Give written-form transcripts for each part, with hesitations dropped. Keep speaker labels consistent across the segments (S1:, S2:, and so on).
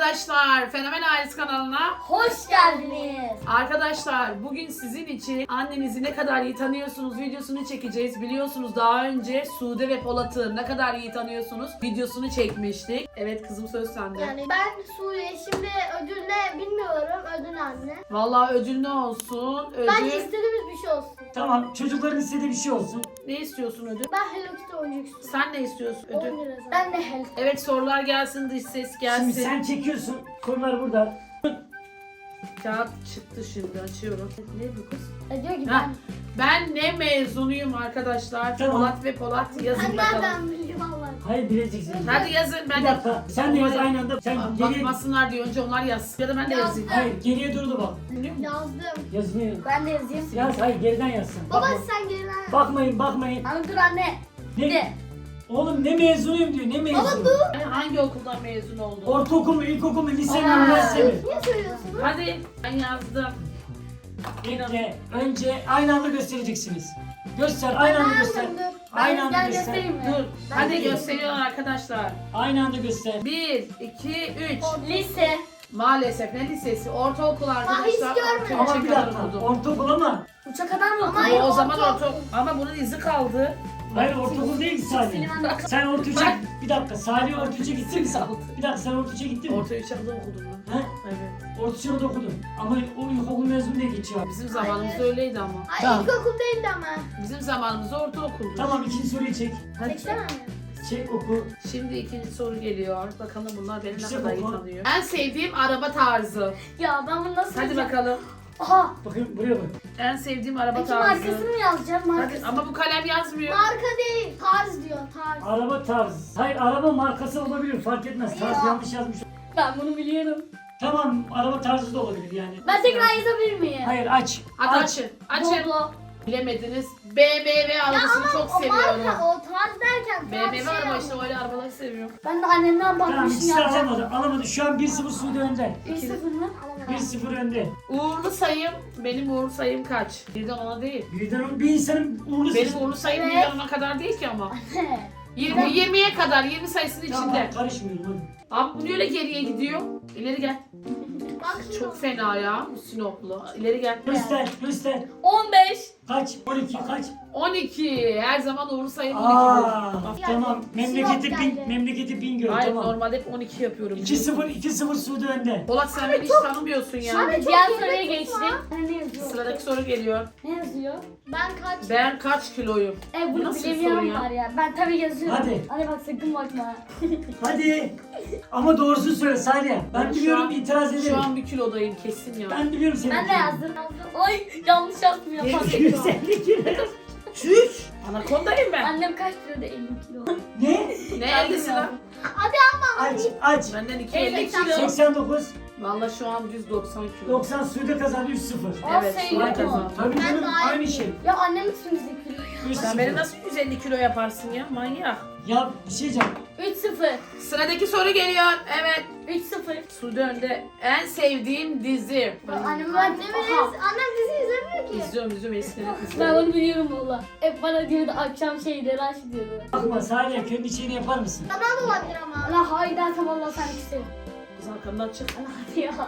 S1: Arkadaşlar Fenomen Ailesi kanalına
S2: Hoş geldiniz.
S1: Arkadaşlar bugün sizin için annenizi ne kadar iyi tanıyorsunuz videosunu çekeceğiz. Biliyorsunuz daha önce Sude ve Polat'ı ne kadar iyi tanıyorsunuz videosunu çekmiştik. Evet kızım söz sende.
S2: Yani ben Suriye şimdi ödül ne bilmiyorum. Ödül anne.
S1: Vallahi ödül ne olsun?
S2: Bence
S1: Ödül
S2: istediğimiz bir şey olsun.
S3: Tamam, çocukların istediği bir şey olsun.
S1: ne istiyorsun ödül?
S2: Ben Hello Kitty oyuncak istiyorum.
S1: Sen ne istiyorsun
S2: 10
S1: ödül?
S2: lira zaten. Ben de Hello Kitty.
S1: Evet sorular gelsin, dış ses gelsin.
S3: Şimdi sen çekiyorsun, konular burada.
S1: Kağıt çıktı şimdi açıyorum. Ne bu kız?
S2: Diyor ki
S1: Ha, ben ne mezunuyum arkadaşlar?
S3: Tamam.
S1: Polat ve Polat yazın
S2: ben
S1: bakalım.
S2: nereden bileyim Allah.
S1: Hayır
S3: Hayır, bileceksin.
S1: yazın ben
S3: Bir dakika, sen de yaz aynı anda. Sen geriye...
S1: bakmasınlar diye önce onlar yazsın. Ya da ben de yazayım.
S3: Hayır, geriye doğru da bak.
S2: Yazdım.
S3: Yazmıyor.
S2: Ben de yazayım.
S3: Yaz, hayır geriden yazsın.
S2: Baba
S3: Bakma.
S2: sen geriden.
S3: Bakmayın.
S2: Anne dur anne.
S3: Ne? Oğlum ne mezunuyum diyor, ne mezunu?
S2: Baba dur.
S1: Ben hangi okuldan mezun oldum?
S3: Ortaokul mu, ilkokul mu, lise mi,
S1: Aa.
S3: üniversite mi?
S2: Niye söylüyorsunuz?
S1: Hadi ben yazdım.
S3: Bekle, önce aynı anda göstereceksiniz. Göster, aynı anda göster. Aynı anda göster.
S2: göstereyim mi?
S1: Dur.
S2: Ben
S1: Hadi
S2: de
S1: gösteriyorlar arkadaşlar.
S3: Aynı anda göster.
S1: 1, 2, 3.
S2: Lise.
S1: Maalesef ne lisesi? Ortaokul arkadaşlar.
S2: hiç görmedim.
S1: Orta
S3: Ama
S1: üçe
S3: bir
S1: kadar
S3: dakika,
S1: okudum.
S3: ortaokul ama.
S2: Uça kadar mı?
S1: Ama o zaman ama bunun izi kaldı.
S3: Hayır, ortaokul değil ki Salih. Sen orta üçe, bir dakika, Salih orta üçe gittin mi?
S1: Saldı.
S3: Bir dakika, sen orta üçe gittin mi?
S1: Orta 3'e kadar okudum ben.
S3: He?
S1: Evet.
S3: Orta üçe de okudum. Ama o ilkokul mezunu diye geçiyor.
S1: Bizim zamanımızda öyleydi ama.
S2: Ay
S3: Tamam.
S2: ilkokul değildi ama.
S1: Bizim zamanımızda ortaokuldu.
S3: Tamam, ikinci soruyu çek.
S1: Hadi.
S2: Çeksene mi?
S3: Çek, oku.
S1: Şimdi ikinci soru geliyor. Bakalım bunlar beni ne
S3: İşte
S1: kadar iyi
S3: bu.
S1: tanıyor. En sevdiğim araba tarzı.
S2: Ya ben bunu nasıl
S1: Hadi
S2: yazacağım?
S1: bakalım.
S2: Aha.
S3: Bakın buraya bak.
S1: En sevdiğim araba
S2: Peki
S1: tarzı.
S2: markasını mı yazacağım?
S1: Hadi
S2: Markası.
S1: ama bu kalem yazmıyor.
S2: Marka değil. Tarz diyor. Tarz.
S3: Araba tarzı. Hayır, araba markası olabilir, fark etmez. Tarz
S2: Ya.
S3: yanlış yazmış.
S2: Ben bunu biliyorum.
S3: Tamam, araba tarzı da olabilir yani.
S2: Ben tekrar yazabilir miyim?
S3: Hayır, aç.
S1: Hadi açın. Açın.
S2: Doblo.
S1: Bilemediniz. BMW arabasını çok
S2: O marka
S1: seviyorum.
S2: o tarz derken tarz
S1: BMW araba işte öyle arabaları seviyorum.
S2: Ben de annemden
S3: Tamam,
S2: bakmışım
S3: ikisi de
S2: ya.
S3: atamadı. Alamadı. Şu an 1-0 Suudi önde.
S2: 1-0 mı? Alamadım.
S3: 1-0 önde.
S1: Uğurlu sayım. Benim uğurlu sayım kaç? Birden ona değil.
S3: Bir insanın uğurlu
S1: Benim
S3: sesi.
S1: uğurlu sayım
S2: Evet.
S1: birden ona kadar değil ki ama.
S2: Ne?
S1: 20'ye kadar 20 sayısının içinde.
S3: Tamam, karışmıyorum hadi.
S1: Abi bu niye öyle geriye gidiyor? İleri gel.
S2: Bak
S1: Çok fena ya bu Sinoplu. İleri gel.
S3: Göster.
S2: 15.
S3: Kaç? 12 kaç?
S1: 12. Her zaman uğurlu sayım 12.
S3: Aa,
S2: Ya,
S3: tamam.
S2: Sinop geldi.
S3: Memleketi Bingöl,
S1: Hayır
S3: tamam.
S1: normalde hep 12 yapıyorum.
S3: 2-0 Suudi önde.
S1: Polat sen beni hiç tanımıyorsun ya.
S2: Hadi diğer soruya geçtik. Ne yazıyor?
S1: Sıradaki soru geliyor.
S2: Ne yazıyor? Ben kaç?
S1: Ben kaç kiloyum?
S2: Bunu
S1: Nasıl bir soru
S2: bilemiyorum
S1: ya?
S2: var ya. Ben tabii yazıyorum.
S3: Hadi.
S2: Hadi bak sakın bakma.
S3: Hadi. Ama doğrusunu söyle Salih. Ben
S1: Şu
S3: biliyorum,
S1: an-
S3: itiraz ederim.
S1: Şu an bir kilodayım kesin ya.
S3: Ben biliyorum seni.
S2: Ben de yazdım. Ay yanlış yazdım ya.
S3: 250 kilo.
S1: Çüş! Anakondayım ben.
S2: Annem kaç kiloda 50 kilo.
S3: Ne?
S1: Ne 50'si lan?
S2: Hadi ama.
S3: Aç.
S1: Benden 250
S2: 80.
S1: kilo.
S3: 89.
S1: Valla şu an 190 kilo.
S3: 90 Suudi kazandı 3-0.
S1: Evet,
S2: Aa,
S1: Suudi
S2: sayılır mı?
S1: kazandı.
S3: Tabii
S2: Ben
S3: canım,
S2: daha
S3: aynı
S2: iyi.
S3: şey.
S2: Ya annemin üstümüzde kilo ya.
S3: 3-0.
S1: Sen beni nasıl 150 kilo yaparsın ya? Manyak.
S3: Ya bir şey diyeceğim.
S2: 3-0.
S1: Sıradaki soru geliyor. Evet.
S2: 3-0.
S1: Suudi önde. En sevdiğim dizi.
S2: Annem ben Annem dizi izlemiyor ki.
S1: İzliyorum eskiden
S2: Ben
S1: izliyorum.
S2: onu biliyorum valla. Hep bana diyordu akşam şeyleri aç diyordu.
S3: Bakma Salih, kendi içini yapar mısın?
S2: Tamam olabilir ama. Allah hayır dersem valla sen isterim.
S1: Kız arkamdan çık.
S2: Allah hadi ya.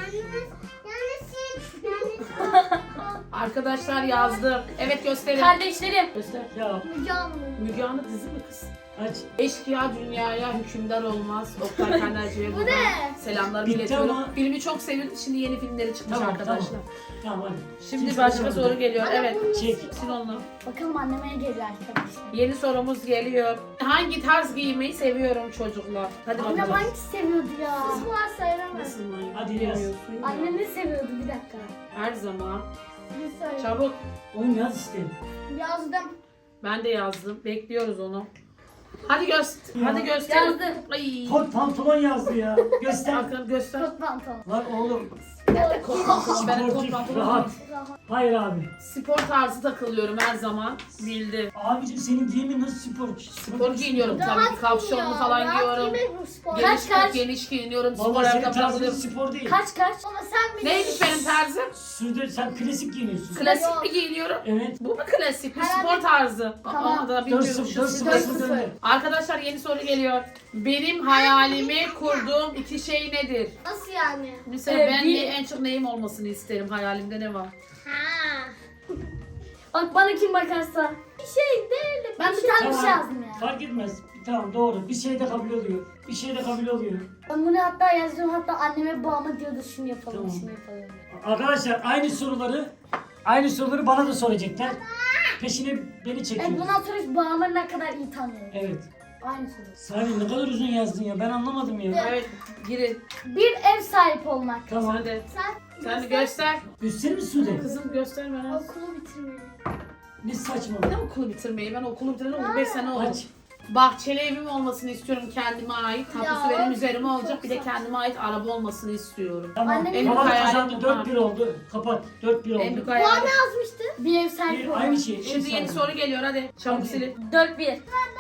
S1: Arkadaşlar yazdım. Evet gösterin.
S2: Kardeşlerim.
S1: Göster.
S3: Ya
S1: Müge Anlı dizi mi kız?
S3: aç.
S1: Eşkıya dünyaya hükümdar olmaz. Oktay Kaynarca'ya buradan
S2: ne?
S1: selamlarımı
S3: Bitti
S1: iletiyorum.
S3: ama-
S1: Filmi çok sevdim. Şimdi yeni filmleri çıkmış
S3: Tamam,
S1: arkadaşlar.
S3: Tamam hadi.
S1: Şimdi
S3: Kimse
S1: başka
S3: kazanmadı.
S1: soru geliyor.
S2: Anne,
S1: Evet.
S2: bunu
S3: Çek.
S1: Sil onu.
S2: Bakalım anneme geliyor arkadaşlar.
S1: Yeni sorumuz geliyor. Hangi tarz giymeyi seviyorum çocuklar? Hadi
S2: Annem
S1: bakalım.
S2: hangisi seviyordu ya? Kız var sayılamaz.
S1: Nasıl manyak?
S3: Hadi yaz.
S1: Bilemiyorsun ya.
S2: Annem ne seviyordu bir dakika.
S1: Her zaman.
S2: Bir söyle.
S1: Çabuk.
S3: Oğlum yaz işte.
S2: Yazdım.
S1: Ben de yazdım. Bekliyoruz onu. Hadi göster.
S3: Ya.
S1: Hadi göster.
S2: Yazdım.
S1: Ay.
S3: Kot pantolon yazdı ya. Göster.
S1: Hakan göster.
S2: Kot pantolon.
S3: Lan oğlum.
S1: Nerede kot pantolon? Ben kot
S3: Sportif,
S1: pantolon
S3: rahat.
S1: değil.
S3: Hayır abi.
S1: Spor tarzı takılıyorum her zaman. Bildi.
S3: Abicim senin giyimin nasıl spor?
S1: Spor giyiniyorum tabii ki. Kapşonlu falan giyiyorum. Geniş giyiniyorum. Spor
S3: Valla senin
S1: ayakkabı
S3: tarzın
S1: takılıyorum.
S3: spor değil.
S2: Kaç? Ama sen bilirsin.
S1: Neymiş benim tarzım?
S3: Sude sen klasik giyiniyorsun.
S1: Klasik mi giyiniyorum?
S3: Evet.
S1: Bu mu klasik? Bu
S2: Herhalde-
S1: spor tarzı.
S2: Tamam.
S1: Ama da bilmiyorum.
S3: 4-0
S1: Şu
S3: 4-0
S1: spor-
S3: döndü.
S1: Arkadaşlar yeni soru geliyor. Benim hayalimi kurduğum iki şey nedir?
S2: Nasıl yani?
S1: Mesela ben en çok neyim olmasını isterim? Hayalimde ne var?
S2: Ha.
S4: Bak bana kim bakarsa.
S2: Bir şey değil de
S4: Ben bir tane bir şey yazdım ya.
S3: Fark etmez. Tamam doğru. Bir şey de kabul oluyor. Bir şey de kabul oluyor.
S4: Ben bunu hatta yazdım, hatta anneme babama diyordu şunu yapalım,
S3: Tamam.
S4: şunu yapalım.
S3: Arkadaşlar aynı soruları bana da soracaklar. Peşine beni
S4: Evet,
S3: çekiyor.
S4: bundan sonra hiç babamı ne kadar iyi tanıyorum.
S3: Evet.
S4: Aynı soru.
S3: Salih ne kadar uzun yazdın ya. Ben anlamadım ya.
S1: Evet, girin.
S4: Bir ev sahibi olmak.
S3: Tamam.
S1: Hadi.
S2: Sen
S1: Sen de göster.
S3: Gösterir mi Sude?
S1: Kızım göster bana.
S2: okulu bitirmeli.
S3: Ne saçma.
S1: Ne okulu bitirmeyi? Ben okulu bitireli 15 sene oldu.
S3: Aç.
S1: Bahçeli evim olmasını istiyorum kendime ait. Tapusu
S2: Ya,
S1: benim üzerime
S2: çok
S1: olacak. Bir de
S2: saçma.
S1: kendime ait araba olmasını istiyorum.
S3: Tamam.
S4: Annem-
S1: En
S3: Babam
S1: büyük
S3: kazandı.
S1: hayalim
S3: 4-1 oldu. Kapat. 4-1
S1: En
S3: oldu.
S1: büyük
S2: Bu ne
S1: hayalim.
S2: yazmıştı?
S4: Bir ev sahibi
S3: Bir,
S4: olmak.
S3: aynı şey.
S1: Şimdi yeni soru geliyor hadi. Çabuk
S3: Hadi.
S1: silin.
S4: 4-1.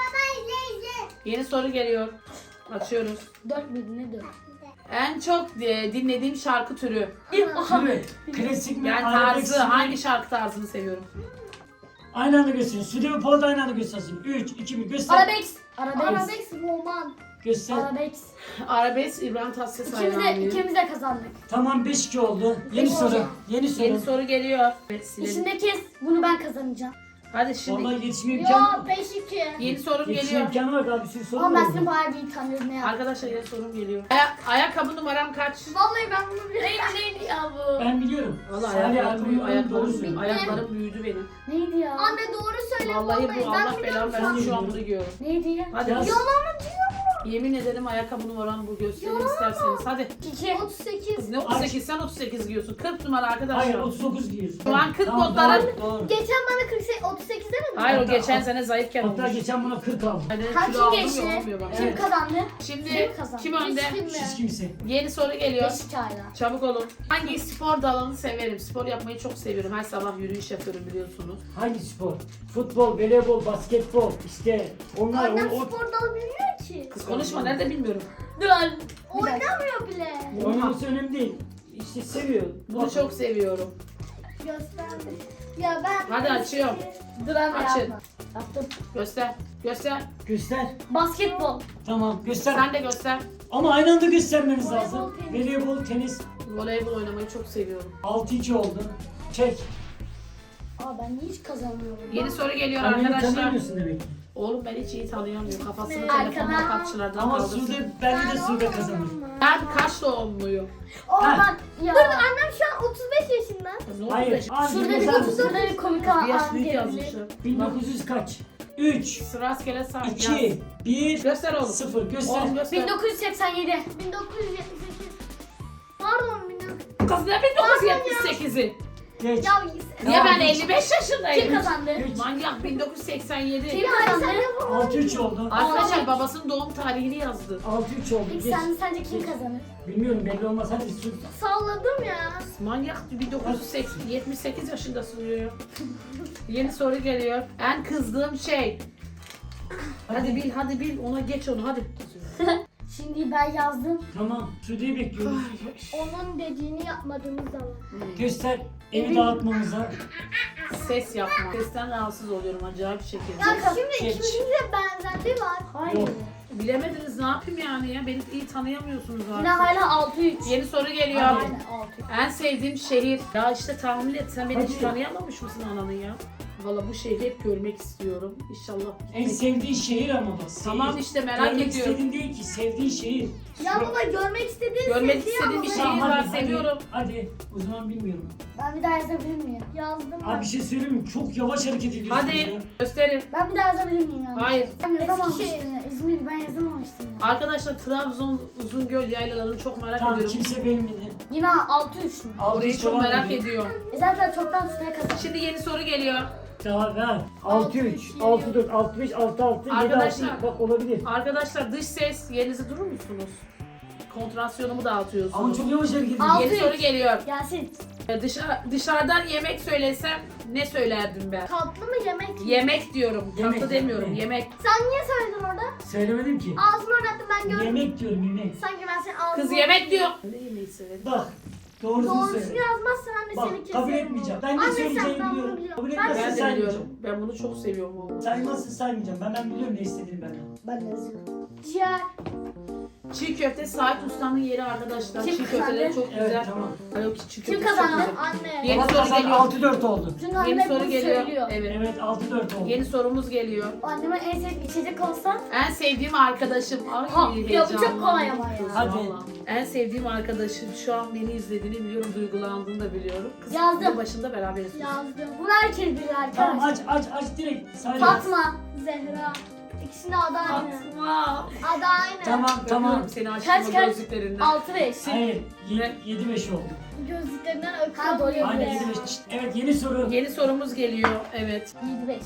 S1: Yeni soru geliyor. Açıyoruz.
S4: 4 miydi, ne 4?
S1: En çok dinlediğim şarkı türü.
S3: Sude. Klasik mi?
S1: Yani
S3: arabesk
S1: tarzı.
S3: mi?
S1: Hangi şarkı tarzını seviyorum?
S3: Aynı anda gösterin. Sude ve Paul da aynı anda göstersin. 3, 2, 1 göster.
S4: Arabesk. Arabesk.
S2: Arabesk roman.
S3: Göster.
S4: Arabesk.
S1: Arabesk İbrahim Tatlıses
S4: İkimiz de,
S1: hayranıyım.
S4: ikimiz de kazandık.
S3: Tamam 5-2 oldu. Yeni
S4: Beş
S3: soru.
S4: oldu.
S3: Yeni soru.
S1: Yeni soru geliyor. Evet, silelim.
S4: İçindeki bunu ben kazanacağım.
S1: Hadi şimdi
S3: Vallahi yetişme imkanı
S2: Yo
S3: var.
S2: 5-2.
S1: yeni sorum
S3: Yetişme
S1: geliyor.
S3: imkanı var daha bir sürü soru
S4: Ama ben
S3: var.
S4: seni bayağı bir iyi tanıyorum, ne yapayım.
S1: Arkadaşlar yeni sorum geliyor. Ayakkabı numaram kaç?
S2: Vallahi ben bunu biliyorum.
S4: Neydi ya bu?
S3: Ben biliyorum.
S1: Valla
S3: Salih
S1: ayaklarım büyüdü,
S3: ayakkabı doğru
S1: ayaklarım,
S3: söylüyor.
S1: ayaklarım büyüdü benim.
S4: Neydi ya?
S2: Anne doğru söyle.
S1: Vallahi bu
S2: ben
S1: Allah
S2: biliyorum
S1: belamı
S2: şu an.
S1: versin şu an bunu giyiyorum.
S4: Neydi ya?
S1: Hadi
S3: Yaz.
S1: biz-
S2: Yalan diyor.
S1: yemin ederim ayakkabı numaram bu, göstereyim isterseniz. Hadi.
S4: 2.
S2: 38.
S1: Kız ne 38 sen 38 giyiyorsun. 40 numara arkadaşlar.
S3: Hayır 39 giyiyorsun.
S1: Şu an 40
S3: Tamam,
S1: botların-
S3: doğru.
S2: Geçen bana 38 demedin mi?
S1: Hayır o
S3: Hatta-
S1: geçen sene zayıfken
S3: Hatta
S1: olmuş.
S3: geçen buna 40 aldım.
S1: Yani
S4: Ha,
S1: kilo
S4: kim
S1: aldım
S4: geçti?
S1: ya, olmuyor bak.
S4: Kim
S3: Evet.
S4: kazandı?
S1: Şimdi
S4: Kim kazandı?
S1: kim önde?
S2: Hiç kim
S3: Siz
S2: mi?
S3: kimse.
S1: Yeni soru geliyor.
S4: 5 hala.
S1: Çabuk olun. Hangi spor dalını severim? Spor yapmayı çok seviyorum. Her sabah yürüyüş yapıyorum biliyorsunuz.
S3: Hangi spor? Futbol, voleybol, basketbol. İşte onlar
S2: Annem
S3: o
S2: spor dalı bilmiyor ki.
S1: Kız konuşma nerede bilmiyorum.
S4: Dur.
S2: Oynamıyor bile.
S3: oynaması önemli değil. İşte seviyor.
S1: Bunu çok seviyorum.
S2: Gösterdi. Ya ben...
S1: Hadi açıyorum.
S4: Dur abi
S1: Açın.
S4: yapma. Yaptım.
S1: Göster. Göster.
S3: Göster.
S4: Basketbol.
S3: Tamam göster.
S1: Sen de göster.
S3: Ama aynı anda göstermeniz
S2: Voleybol,
S3: lazım.
S2: tenis.
S3: Voleybol, tenis.
S1: Voleybol oynamayı çok seviyorum.
S3: 6-2 oldu. Çek.
S4: Aa, ben niye hiç kazanmıyorum?
S1: Yeni soru geliyor
S3: Anneni
S1: arkadaşlar.
S3: tanımıyorsun demek ki.
S1: Oğlum ben hiç iyi tanıyamıyorum. Kafasını
S4: Arkadan-
S1: telefonla kapçılardan
S3: Ama
S1: kaldırsın.
S3: Sude, bence de Sude kazanır.
S1: Ben kaç doğumluyum?
S4: Aa
S3: Ha.
S4: bak ya.
S2: Dur annem şu an 35 yaşında.
S1: Ne oldu
S3: Hayır.
S1: be?
S3: Abi
S4: Şurada bir
S3: yazar mısın?
S4: şurada bir komik
S1: Bir yaş
S4: an
S1: büyük
S4: gelebilir.
S1: yazmışlar.
S3: 1900 kaç? 3,
S1: Rastgele say.
S3: 2, 1,
S1: Göster oğlum.
S3: 0. Göster.
S1: Oğlum göster.
S4: 1987.
S2: 1978. Pardon 1900.
S1: Kız ne 1978'i?
S3: Geç.
S2: Ya
S1: Niye ben
S3: Tamam.
S1: 55 yaşındayım?
S4: Kim kazandı?
S3: Üç.
S1: Manyak 1987.
S4: Kim
S2: ya
S4: kazandı?
S2: sen yapamadın.
S3: 6-3 oldu.
S1: Arkadaşlar babasının doğum tarihini yazdı.
S3: 6-3 oldu.
S4: Peki
S3: Geç.
S4: sence kim kazanır?
S3: Bilmiyorum belli olmaz. Hadi sus.
S2: Salladım ya.
S1: Manyak 1978 yaşındasın diyor. Yeni soru geliyor. En kızdığım şey. Hadi bil, hadi bil. Ona geç onu hadi.
S4: Şimdi ben yazdım.
S3: Tamam. Sude'yi bekliyoruz.
S2: Onun dediğini yapmadığımız zaman.
S3: Göster. Evi dağıtmamıza.
S1: Ses yapma. Sesten rahatsız oluyorum acayip bir şekilde.
S2: Ya şimdi
S3: Geç.
S2: ikimizin de benzerliği var.
S4: Hayır.
S3: Yok.
S1: Bilemediniz ne yapayım yani ya? Beni iyi tanıyamıyorsunuz
S4: Yine
S1: artık.
S4: hala 6-3.
S1: Yeni soru geliyor.
S3: Hadi.
S4: Aynen 6-3.
S1: En sevdiğim şehir. Ya işte tahmin et sen beni hiç
S3: Hadi.
S1: tanıyamamış mısın ananı ya? Valla bu şehri hep görmek istiyorum. İnşallah.
S3: En sevdiğin şehir ama bak.
S1: Tamam
S3: şehir.
S1: işte merak
S3: Görmek
S1: ediyorum.
S3: istediğin değil ki. Sevdiğin şehir.
S2: Ya baba görmek istediğin
S1: Görmek
S2: sevdiği
S1: istediğim bir
S2: ama
S1: şey
S2: ben
S1: var,
S3: hadi,
S1: seviyorum.
S3: Hadi. O zaman bilmiyorum.
S4: Ben bir daha yazabilir miyim?
S2: Yazdım
S3: Abi bir şey söyleyeyim mi? Çok yavaş hareket ediyorsun
S1: Hadi
S3: ya.
S1: gösterin.
S4: Ben bir daha yazabilir miyim yani?
S1: Hayır.
S4: Ben yazamamıştım
S2: Eskişehir.
S4: ya. İzmir ben yazamamıştım ya.
S1: Arkadaşlar Trabzon Uzungöl yaylalarını çok merak
S3: Tamam
S1: ediyorum.
S3: kimse bilmedi.
S4: Yine 6-3 mü?
S1: Orayı çok merak ediyorum.
S4: Zaten çoktan üstüne kazandım.
S1: Şimdi yeni soru geliyor.
S3: Daha ver. 6-3, 6-4, 6-5, 6-6, 7-6.
S1: Arkadaşlar.
S3: Bak olabilir.
S1: Arkadaşlar dış ses yerinizi durur musunuz? konsantrasyonumu dağıtıyorsunuz.
S3: Ama çok yavaş hareket
S4: Al.
S3: ediyor.
S1: Yeni soru geliyor.
S4: Gelsin.
S1: Dışarıdan yemek söylesem ne söylerdim ben?
S2: Tatlı mı yemek mi?
S1: Yemek diyorum.
S3: Yemek,
S1: Tatlı demiyorum.
S3: yemek.
S1: Yemek.
S2: Sen niye söyledin orada?
S3: Söylemedim ki.
S2: Ağzını oynattım ben gördüm.
S3: Yemek diyorum yemek.
S2: Sanki ben senin ağzını
S1: Kız yemek diyor. Ne yemeği severim?
S3: Bak. Doğrusunu
S2: Doğrusunu
S3: söyle.
S2: yazmazsan anne
S3: Bak
S2: seni keserim.
S3: kabul etmeyeceğim. Ben ne
S2: Anne, sen-
S3: söyleyeceğimi
S2: ben bunu
S3: biliyorum.
S2: biliyorum.
S3: Kabul
S2: Ben
S1: Ben
S3: etmezsen
S1: de
S3: saymayacağım.
S1: biliyorum. Ben bunu çok seviyorum oğlum.
S3: Saymazsın saymayacağım. Ben biliyorum ne istediğini ben.
S4: Ben de yazıyorum.
S2: Ciğer.
S1: Çiğ köfte Sait Usta'nın yeri arkadaşlar.
S4: Kim
S1: Çiğ köfteleri
S4: kazandı?
S1: çok güzel.
S3: Evet tamam.
S1: Ay, yok, çiğ
S4: Kim
S1: köftesi çok
S4: kazandı?
S1: güzel.
S2: Anne.
S1: Yeni
S3: Polat
S1: soru
S3: kazandı,
S1: geliyor.
S3: 6-4 oldu.
S4: Çünkü
S1: Yeni
S4: annem
S1: soru
S4: bunu
S1: geliyor.
S4: söylüyor.
S1: Evet.
S3: Evet 6-4 oldu.
S1: Yeni sorumuz geliyor.
S4: Anneme en sevdiği içecek olsa
S1: En sevdiğim arkadaşım. Ay
S4: Ha, ya bu çok
S1: heyecanlandım.
S4: kolay ama ya.
S3: Hadi.
S1: Vallahi. En sevdiğim arkadaşım şu an beni izlediğini biliyorum, duygulandığını da biliyorum. Kız
S4: Yazdım.
S1: bir başında beraberiz.
S2: Yazdım.
S4: bunu herkes bilir
S3: Tamam
S4: arkadaşlar.
S3: aç direkt. Say.
S4: Fatma.
S2: Zehra. İkisinin adı aynı.
S1: Fatma.
S2: Adı aynı.
S3: Tamam tamam.
S1: Öpüyorum seni
S4: Kaç,
S1: aşkım
S4: kaç?
S1: gözlüklerinden.
S4: 6-5.
S3: Hayır.
S1: Ne?
S3: 7-5 oldu.
S2: Gözlüklerinden
S4: Ha, doğru.
S2: öpüyor.
S3: Aynen
S2: bile.
S3: 7-5. Evet yeni soru.
S1: Yeni sorumuz geliyor. Evet.
S4: 7-5.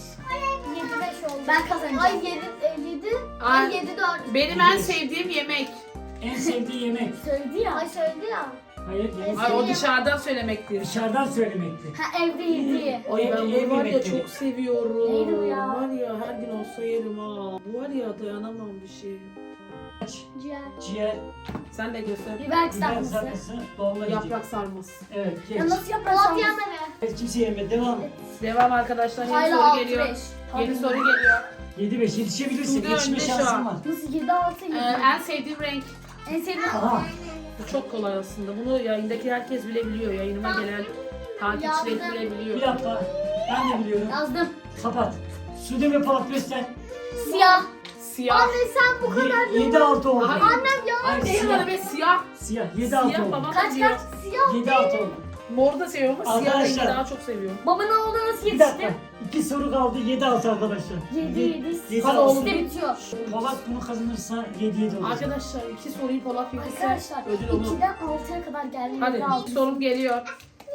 S2: 7-5 oldu.
S4: Ben kazanacağım.
S2: Ay 7.
S1: Ay.
S2: Ay 7-4.
S1: Benim en sevdiğim yemek.
S3: En sevdiği yemek.
S4: Söyledi ya.
S2: Ay söyledi ya.
S3: Hayır yeni
S1: Ay o
S3: soru.
S1: dışarıdan söylemektir.
S3: Dışarıdan söylemekti.
S4: Ha evde yediği.
S1: Ay ben
S3: Ev
S1: bunu var ya
S3: yemekleri.
S1: çok seviyorum.
S4: Neydi o ya?
S1: Var ya her gün olsa yerim ha. Bu var ya dayanamam bir şey.
S3: Aç,
S2: Ciğer.
S3: ciğer,
S1: Sen de göster.
S4: Biber
S3: biber
S4: kızartması.
S3: sarması, dolma yiyecek.
S1: Yaprak sarması.
S3: Evet geç.
S4: Ya nasıl yaprak
S2: Polat
S4: sarması?
S2: yemedi.
S3: Evet, kimse yemedi. Devam.
S1: Devam arkadaşlar. Yeni
S4: Hala
S1: soru geliyor.
S4: 6-5.
S1: Yeni soru geliyor.
S3: 7-5 yetişebilirsin.
S1: Sude
S3: Yetişme
S1: önde şu
S3: şansın
S1: an.
S3: var.
S4: Nasıl 7-6 yedi?
S1: En sevdiğim renk.
S4: En sevdiğim
S3: Aha.
S1: Bu çok kolay aslında. Bunu yayındaki herkes bile biliyor. Yayınıma gelen takipçilerim bile
S3: Bir
S1: biliyor.
S3: dakika. Ben de biliyorum.
S4: yazdım.
S3: Kapat. Sude ve Polat göster.
S4: Siyah.
S1: Siyah.
S2: Anne sen bu kadar
S3: 7-6 oldu.
S1: Hayır.
S2: Annem ya.
S3: Hayır,
S1: Benim
S3: siyah.
S1: bana be siyah.
S3: Siyah 7-6
S1: Siyah
S3: oldu.
S1: babam
S4: Kaç,
S1: diyor.
S4: kaç?
S2: Siyah.
S3: 7-6 oldu.
S1: Mor da seviyorum ama siyah rengi
S3: Arkadaşlar.
S1: daha çok seviyorum.
S4: Baba ne oldu nasıl
S3: Bir dakika.
S4: yetişti?
S3: 2 soru kaldı. 7-6 arkadaşlar.
S4: 7-7.
S3: Yedi,
S1: Hadi
S3: altı.
S1: oğlum.
S4: İşte bitiyor.
S3: Polat bunu kazanırsa 7-7 olacak.
S1: Arkadaşlar 2 soruyu Polat bilirse
S4: Arkadaşlar
S1: ödül onun.
S4: 2'den 6'ya kadar geldi.
S1: Hadi
S4: 7-6.
S1: ilk sorum geliyor.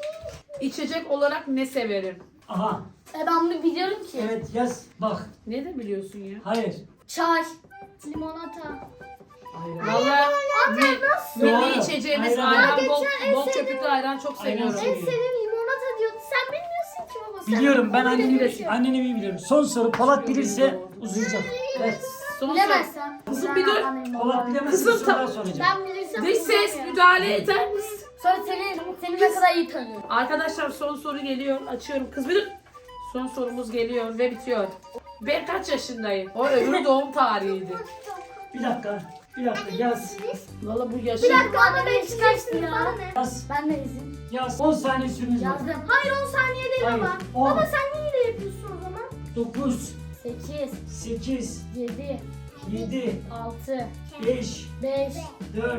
S1: İçecek olarak ne severim?
S3: Aha.
S4: Ben bunu biliyorum ki.
S3: Evet yaz. Bak.
S1: Ne de biliyorsun ya?
S3: Hayır.
S4: Çay.
S2: Limonata.
S1: Valla milli
S3: Doğru.
S1: içeceğimiz
S3: Ayran.
S1: ayran, bol köpüklü ayran çok
S3: Ayran
S1: seviyorum.
S3: seviyorum.
S2: En sevdiğim limonata diyordu. Sen bilmiyorsun ki baba. Sen
S3: Biliyorum ben
S2: onu
S3: anneni
S2: demişsin.
S3: anneni iyi biliyorum. Son soru Polat bilirse uzayacak. Evet.
S1: Son soru.
S4: Bilemezsem.
S1: Kızım bir dur.
S3: Polat bilemezse
S1: Kızım,
S3: bir soru daha soracağım.
S2: Ben bilirsem
S1: Dış ses
S2: uzamıyorum.
S1: müdahale eder misin?
S4: Sonra seni ne kadar iyi tanıyorum.
S1: Arkadaşlar son soru geliyor. Açıyorum. Kız bir dur. Son sorumuz geliyor ve bitiyor. Ben kaç yaşındayım? O öbürü doğum tarihiydi.
S3: Bir dakika. Bir dakika yaz.
S1: Valla bu yaşım.
S2: Bir dakika
S4: Bana
S2: anne
S4: beş
S2: beş
S4: kaçtı
S2: geçti
S4: ya.
S2: bana ne?
S3: Yaz.
S4: Ben de izin.
S3: Yaz. 10 saniye süreniz var.
S4: Yazdım.
S2: Hayır 10 saniye değil
S3: Hayır.
S2: baba.
S3: 10,
S2: Baba sen niye hile yapıyorsun o zaman?
S3: 9,
S4: 8,
S3: 8,
S4: 7,
S3: 7,
S4: 6,
S3: 5,
S4: 5,
S3: 4,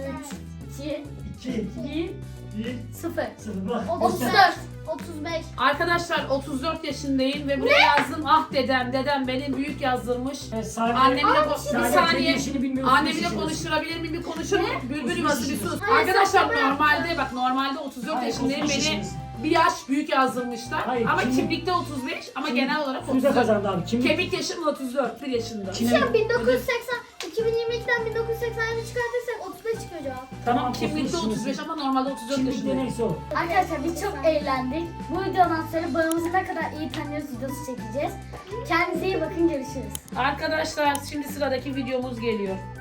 S4: 3, 2,
S3: 2,
S4: 1,
S3: 1,
S4: 0.
S3: 0. Bak.
S2: 34.
S3: göster.
S2: 35.
S1: Arkadaşlar 34 yaşındayım ve buraya yazdım. Ah dedem benim büyük yazdırmış.
S3: Evet, Saniye.
S1: Annemle bir
S3: Saniye
S1: saniye.
S3: kendi işini bilmiyorsun.
S1: Annemle
S3: işini.
S1: konuşturabilir miyim? Bir konuşur mu? Bülbül
S3: Sus,
S1: yuvası
S3: sus,
S1: bir
S3: sus.
S1: sus.
S2: Hayır,
S1: Arkadaşlar
S2: sen
S1: normalde 34
S3: Hayır,
S1: yaşındayım.
S3: 35
S1: Beni
S3: yaşındasın.
S1: bir yaş büyük yazdırmışlar.
S3: Hayır,
S1: ama
S3: kim-
S1: kimlikte 35 ama
S3: Kim-
S1: genel olarak
S3: Sude
S1: 34.
S3: kazandı abi. Kim?
S1: Kemik yaşım 34, 1 yaşında.
S3: Kim-
S2: Şu an 1980, 2022'den 1980'e çıkartırsak 35 çıkıyor cevap.
S1: Tamam,
S3: Tamam,
S1: kimlikte
S3: 35
S1: 35 ama normalde 34
S3: Kimlikte
S1: yaşındayım.
S3: neyse o.
S4: Arkadaşlar biz çok eğlendik. Bu videodan sonra babamızı ne kadar iyi tanıyoruz videosu çekeceğiz. Kendinize iyi bakın, görüşürüz.
S1: Arkadaşlar şimdi sıradaki videomuz geliyor.